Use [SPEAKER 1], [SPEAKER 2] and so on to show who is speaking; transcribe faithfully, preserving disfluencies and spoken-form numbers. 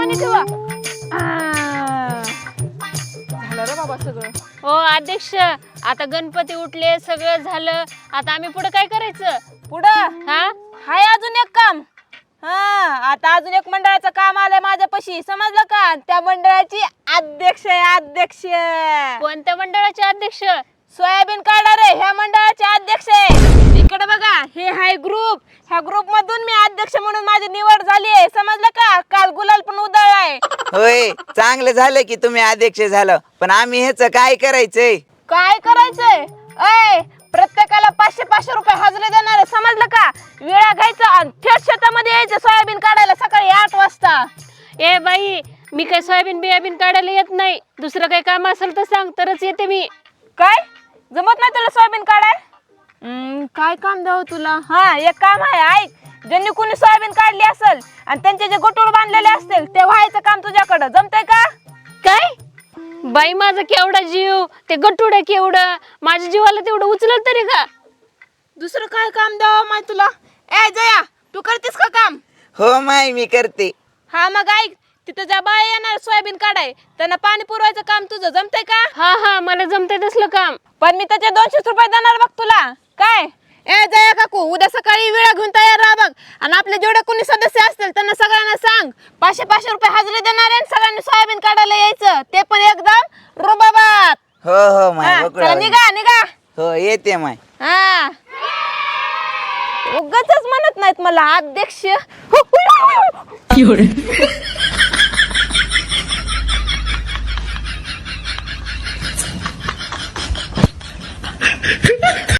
[SPEAKER 1] पाणी ठेवा. झालं रे बाबा सगळं.
[SPEAKER 2] हो अध्यक्ष, आता गणपती उठले, सगळं झालं. आता आम्ही पुढे काय करायचं?
[SPEAKER 1] पुढं
[SPEAKER 2] हा
[SPEAKER 1] हाय अजून एक काम. हा आता अजून एक मंडळाचं काम आलंय माझ्यापाशी, समजलं का? त्या मंडळाची अध्यक्ष आहे अध्यक्ष.
[SPEAKER 2] कोणत्या मंडळाचे अध्यक्ष?
[SPEAKER 1] सोयाबीन काढा रे, ह्या चांगले अध्यक्ष आहे. इकडे बघा, हे हाय ग्रुप. ह्या ग्रुप मधून मी अध्यक्ष म्हणून माझी निवड झाली आहे, समजलं का? काल गुलाल पण उधळलाय.
[SPEAKER 3] होय, चांगलं झालं की तुम्ही अध्यक्ष झालं, पण आम्ही ह्याच काय करायचंय?
[SPEAKER 1] काय करायचंय? ऐ प्रत्येकाला पाचशे पाचशे रुपये हजरी देणार आहे, समजलं का? वेळा घ्यायचा आणि थेट शेतामध्ये यायचं सोयाबीन काढायला सकाळी आठ वाजता.
[SPEAKER 2] ए बाई, मी काय सोयाबीन बियाबीन काढायला येत नाही. दुसरं काही काम असेल तर सांग, तरच येते मी.
[SPEAKER 1] काय जमत नाही तुला सोयाबीन काढाय? हम्म, काय काम द्यावं तुला? हा एक काम आहे, ऐक. ज्यांनी कुणी सोयाबीन काढली असेल आणि त्यांचे जे गोटोळ बांधलेले असतील ते व्हायचं काम तुझ्याकडं, जमतंय का?
[SPEAKER 2] काय बाई, माझा केवढा जीव, ते गटुड केवढं, माझ्या जीवाला तेवढं उचलत तरी का?
[SPEAKER 1] दुसरं काय काम द्यावं माय तुला? ए जया, तू करतेस का काम?
[SPEAKER 3] हो माय, मी करते.
[SPEAKER 1] हा मग ऐक, तिथं ज्या बाया येणार सोयाबीन काढाय त्यांना पाणी पुरवायचं काम तुझं, जमतंय का?
[SPEAKER 2] हा हा, मला जमतंय तसलं काम.
[SPEAKER 1] पण मी त्याचे दोनशे रुपये देणार बघ तुला. काय? ए जया काकू, उद्या सकाळी वेळा घेऊन तयार राहा बघ. आणि आपले जेवढे कोणी सदस्य असतील त्यांना सगळ्यांना सांग, पाचशे पाचशे रुपये हजेरी देणार आहे, सगळ्यांनी सोयाबीन काढायला यायचं, ते पण एकदम रुबाबात.
[SPEAKER 3] हो हो माय,
[SPEAKER 1] हा,
[SPEAKER 3] बकुळा
[SPEAKER 1] चला
[SPEAKER 3] वहिनी.
[SPEAKER 1] निघा निघा.
[SPEAKER 3] हो येते माय.
[SPEAKER 1] हा उगाचच म्हणत नाहीत मला अध्यक्ष.